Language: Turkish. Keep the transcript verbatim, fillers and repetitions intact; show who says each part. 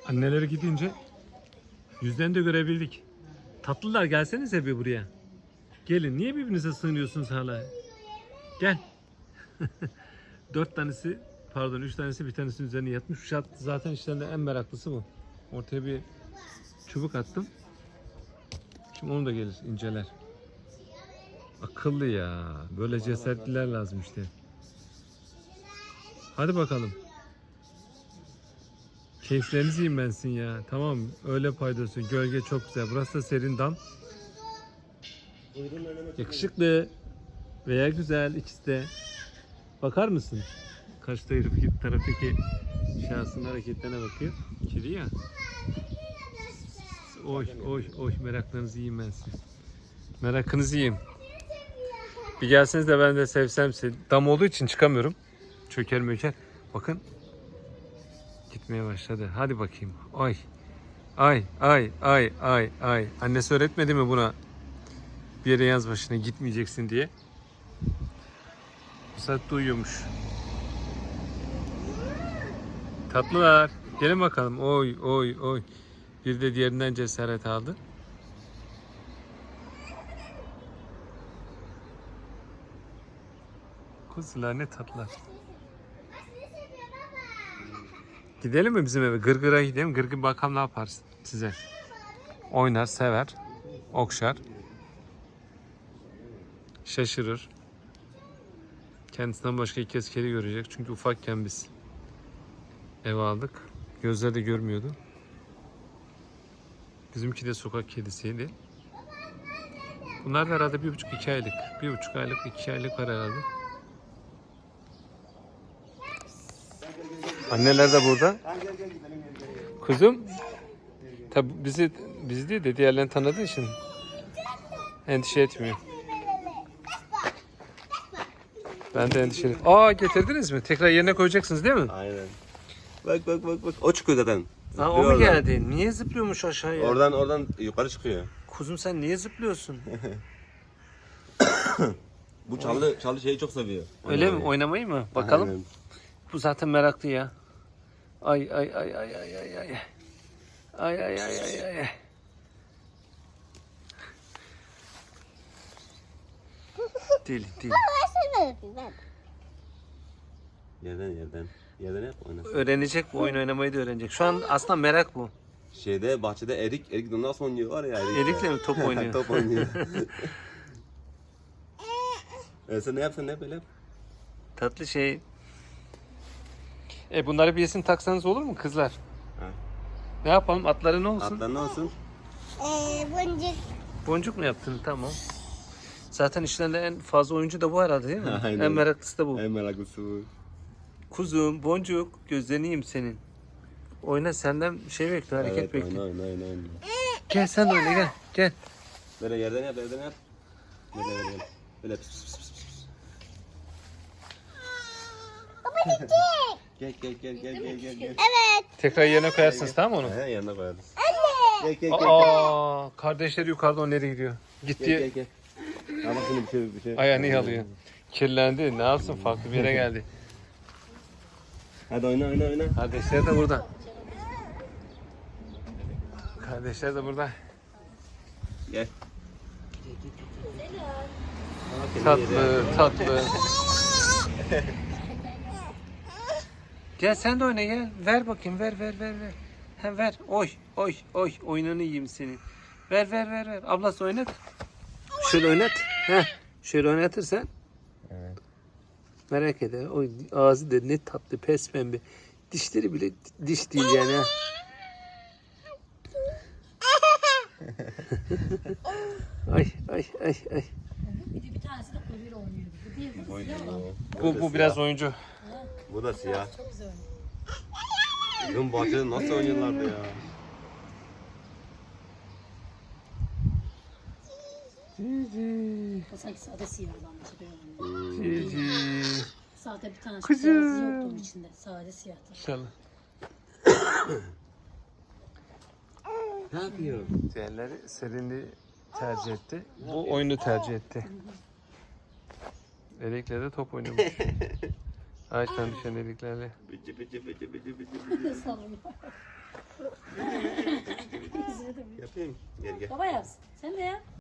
Speaker 1: Anneleri gidince yüzlerini de görebildik. Tatlılar gelsenize bir buraya. Gelin. Niye birbirinize sığınıyorsunuz hala? Gel. Dört tanesi, pardon üç tanesi bir tanesinin üzerine yatmış. Zaten işlerinde en meraklısı bu. Ortaya bir çubuk attım. Şimdi onu da gelir inceler. Akıllı ya. Böyle cesaretliler lazım işte. Hadi bakalım. Keyiflerinizi yiyin bensin ya. Tamam, öyle paydası. Gölge çok güzel. Burası da serin dam. Yakışıklı veya güzel, ikisi de. Bakar mısın? Kaçta herif taraftaki şahsın hareketlerine bakıyor. Kedi ya. Oy oy oy, meraklarınızı yiyeyim ben size. Merakınızı yiyeyim. Bir gelseniz de ben de sevsem sizi. Dam olduğu için çıkamıyorum. Çöker möker. Bakın. Gitmeye başladı. Hadi bakayım. Ay. Ay ay ay ay ay. Annesi öğretmedi mi buna? Bir yere yaz başına gitmeyeceksin diye. Bu saatte uyuyormuş. Tatlılar. Gelin bakalım. Oy oy oy. Bir de diğerinden cesaret aldı. Kuzular ne tatlılar. Gidelim mi bizim eve? Gırgır'a gidelim. Gırgır bakalım ne yaparsın size. Oynar, sever, okşar, şaşırır. Kendisinden başka ilk kez kedi görecek. Çünkü ufakken biz eve aldık. Gözleri de görmüyordu. Bizimki de sokak kedisiydi. Bunlar da herhalde bir buçuk iki aylık. Bir buçuk aylık, iki aylık var herhalde. Anneler de burada. Kuzum. Tabi bizi biz değil de diğerlerini tanıdığı için endişe etmiyor. Ben de endişeliyim. Aa, getirdiniz mi? Tekrar yerine koyacaksınız değil mi?
Speaker 2: Aynen. Bak bak bak bak. O çıkıyor zaten.
Speaker 1: Ha, o mu geldi? Niye zıplıyormuş aşağıya?
Speaker 2: Oradan oradan yukarı çıkıyor.
Speaker 1: Kuzum sen niye zıplıyorsun?
Speaker 2: Bu çalı çalı şeyi çok seviyor.
Speaker 1: Öyle mi? Oynamayı mı? Bakalım.
Speaker 2: Aynen.
Speaker 1: Bu zaten meraklı ya. Ay ay ay ay ay ay ay. Ay ay ay ay ay. Değil değil.
Speaker 2: Yerden yerden. Yerden yap oynasın.
Speaker 1: Öğrenecek bu, oyun oynamayı da öğrenecek. Şu an aslında merak bu.
Speaker 2: Şeyde bahçede erik erik de nasıl oynuyor var ya erik.
Speaker 1: Erik'le mi top oynuyor?
Speaker 2: Top oynuyor. e sen ne yapsan ne yap öyle yap.
Speaker 1: Tatlı şey. E bunları bir isim taksanız olur mu kızlar?
Speaker 2: Ha.
Speaker 1: Ne yapalım? Atları ne olsun?
Speaker 2: Atlar ne olsun?
Speaker 3: Ee, boncuk.
Speaker 1: Boncuk mu yaptın? Tamam. Zaten işlerinde en fazla oyuncu da bu herhalde değil mi?
Speaker 2: Aynen.
Speaker 1: En meraklısı da bu.
Speaker 2: En meraklısı bu.
Speaker 1: Kuzum, boncuk, gözlerini yiyeyim senin. Oyna, senden şey bekle, hareket
Speaker 2: Evet,
Speaker 1: bekle.
Speaker 2: oyna oyna oyna oyna.
Speaker 1: Gel sen de oyna, gel. Gel.
Speaker 2: Böyle yerden yap yerden yap. Böyle böyle böyle. Böyle pis pis pis pis.
Speaker 3: Baba gidecek.
Speaker 2: Gel gel gel gel gel gel gel.
Speaker 3: Evet.
Speaker 1: Tekrar yerine koyarsınız, tamam mı onu?
Speaker 2: He yanına koyarız.
Speaker 3: Anne.
Speaker 2: Gel gel gel.
Speaker 1: Aa, kardeşleri yukarıda, o nereye gidiyor? Gitti.
Speaker 2: Gel gel gel. Ama şimdi bir şey bir şey.
Speaker 1: Ayağını yalıyor. Kirlendi, ne yapsın, farklı bir yere geldi.
Speaker 2: Hadi oyna oyna oyna.
Speaker 1: Kardeşler de burada. Kardeşler de burada.
Speaker 2: Gel.
Speaker 1: Tatlı, tatlı. Gel sen de oyna, gel. Ver bakayım, ver ver ver ver. Ha, ver. Oy oy oy, oyununu yiyeyim senin. Ver ver ver ver. Ablası oynat. Şöyle oynat. Heh. Şöyle oynatırsan.
Speaker 2: Evet.
Speaker 1: Merak eder. O ağzı da ne tatlı, pes pembe. Dişleri bile diş değil yani. Ha. Ay ay ay ay.
Speaker 4: Bir de bir tanesi de kuyruğuyla oynuyor. Bu değil mi?
Speaker 2: Oynuyor.
Speaker 1: Bu bu biraz oyuncu.
Speaker 2: Bu da siyah.
Speaker 4: Çok güzel oynuyor.
Speaker 2: Bizim bahçede nasıl oynuyorlardı ya?
Speaker 4: O sanki sade siyah olan bir şey oynuyor.
Speaker 1: Cici.
Speaker 4: Sade bir tane
Speaker 1: Kızım.
Speaker 4: beyazı yoktu onun içinde. Sade siyahtı.
Speaker 1: İnşallah.
Speaker 2: Ne yapıyor?
Speaker 1: Diğerleri serinliği tercih etti. Bu oyunu tercih etti. Erik'le de top oynuyormuş. Ağaçtan düşen eriklerle.
Speaker 2: Bici bici bici bici bici.
Speaker 4: Sallıyor.
Speaker 2: yapayım. Gel gel.
Speaker 4: Baba yapsın. Sen de yap.